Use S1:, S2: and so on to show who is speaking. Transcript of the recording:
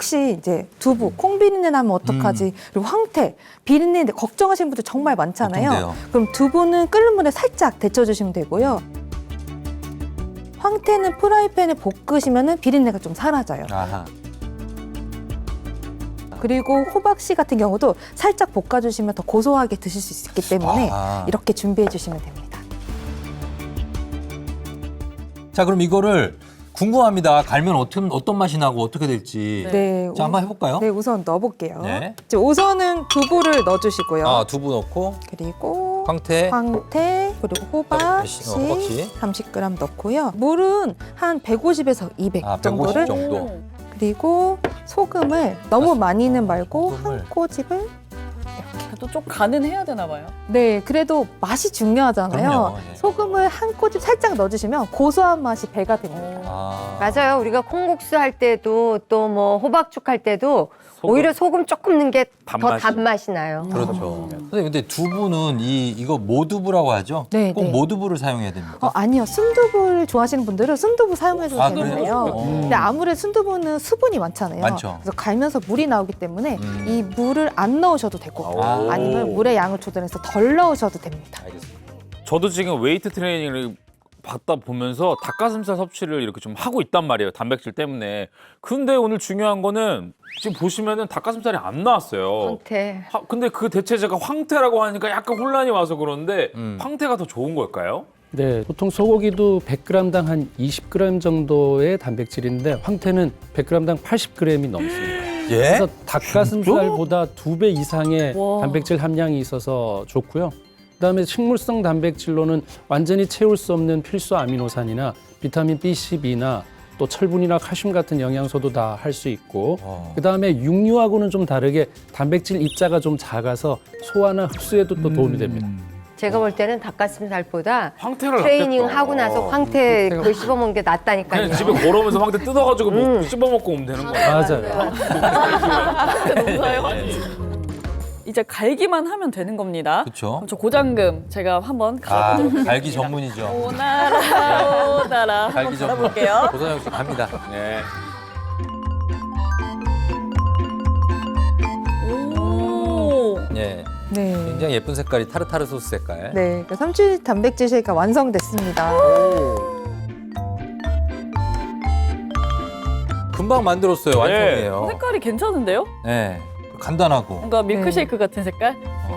S1: 혹시 이제 두부, 콩 비린내 나면 어떡하지? 그리고 황태, 비린내 걱정하시는 분들 정말 많잖아요.
S2: 보통돼요.
S1: 그럼 두부는 끓는 물에 살짝 데쳐주시면 되고요. 황태는 프라이팬에 볶으시면 비린내가 좀 사라져요.
S2: 아하.
S1: 그리고 호박씨 같은 경우도 살짝 볶아주시면 더 고소하게 드실 수 있기 때문에
S2: 아하.
S1: 이렇게 준비해 주시면 됩니다.
S2: 자, 그럼 이거를 궁금합니다. 갈면 어떤 맛이 나고 어떻게 될지.
S1: 네,
S2: 자, 한번 해볼까요?
S1: 네, 우선 넣어볼게요.
S2: 네.
S1: 이제 우선은 두부를 넣어주시고요.
S2: 아, 두부 넣고
S1: 그리고
S2: 황태.
S1: 그리고 호박씨
S2: 호박씨.
S1: 30g 넣고요. 물은 한 150에서 200
S2: 아, 150
S1: 정도를.
S2: 정도.
S1: 그리고 소금을 너무 많이는 말고
S2: 소금을.
S1: 한 꼬집을.
S3: 그래도 좀 간은 해야 되나 봐요.
S1: 네, 그래도 맛이 중요하잖아요.
S2: 그럼요, 예.
S1: 소금을 한 꼬집 살짝 넣어주시면 고소한 맛이 배가 됩니다.
S2: 아.
S4: 맞아요. 우리가 콩국수 할 때도 또 뭐 호박죽 할 때도 오히려 소금 조금 넣은 게 더
S5: 단맛이.
S4: 단맛이 나요.
S2: 그렇죠. 선생님, 근데 두부는 이거 모두부라고 하죠?
S1: 네,
S2: 꼭
S1: 네.
S2: 모두부를 사용해야 됩니까?
S1: 아니요. 순두부를 좋아하시는 분들은 순두부 사용해도
S2: 아,
S1: 되는데요.
S2: 그래요?
S1: 근데 아무래도 순두부는 수분이 많잖아요.
S2: 많죠.
S1: 그래서 갈면서 물이 나오기 때문에
S2: 음.
S1: 이 물을 안 넣으셔도 되고
S2: 아.
S1: 아니면 물의 양을 조절해서 덜 넣으셔도 됩니다.
S2: 알겠습니다.
S5: 저도 지금 웨이트 트레이닝을 받다 보면서 닭가슴살 섭취를 이렇게 좀 하고 있단 말이에요. 단백질 때문에. 근데 오늘 중요한 거는 지금 보시면은 닭가슴살이 안 나왔어요.
S4: 황태.
S5: 근데 그 대체제가 황태라고 하니까 약간 혼란이 와서 그런데
S2: 음.
S5: 황태가 더 좋은 걸까요?
S6: 네, 보통 소고기도 100g당 한 20g 정도의 단백질인데 황태는 100g당 80g이 넘습니다.
S2: 예?
S6: 그래서 닭가슴살보다 2배 이상의
S3: 와.
S6: 단백질 함량이 있어서 좋고요. 그다음에 식물성 단백질로는 완전히 채울 수 없는 필수 아미노산이나 비타민 B12나 또 철분이나 칼슘 같은 영양소도 다 할 수 있고 그다음에 육류하고는 좀 다르게 단백질 입자가 좀 작아서 소화나 흡수에도 또 도움이 됩니다.
S4: 제가 볼 때는 닭가슴살보다
S5: 황태를
S4: 트레이닝
S5: 낫겠다.
S4: 하고 나서 황태 그걸 씹어먹는 게 낫다니까요.
S5: 그냥 집에 걸어오면서 황태 뜯어가지고 뭐 씹어먹고 오면 되는 거예요.
S6: 맞아요.
S3: 이제 갈기만 하면 되는 겁니다.
S2: 그쵸.
S3: 그럼 저 고장금 제가 한번
S2: 아,
S3: 갈아보도록 하겠습니다.
S2: 갈기 전문이죠.
S3: 오나라 오나라 한번
S2: 갈기 전문.
S3: 갈아볼게요.
S2: 고선영 씨 갑니다.
S5: 네.
S3: 오.
S2: 예.
S1: 네.
S2: 굉장히 예쁜 색깔이 타르타르 소스 색깔.
S1: 네, 그 삼치 단백질 쉐이크가 완성됐습니다.
S2: 금방 만들었어요. 완성이에요.
S3: 색깔이 괜찮은데요?
S2: 네. 간단하고.
S3: 뭔가 밀크쉐이크 같은 색깔?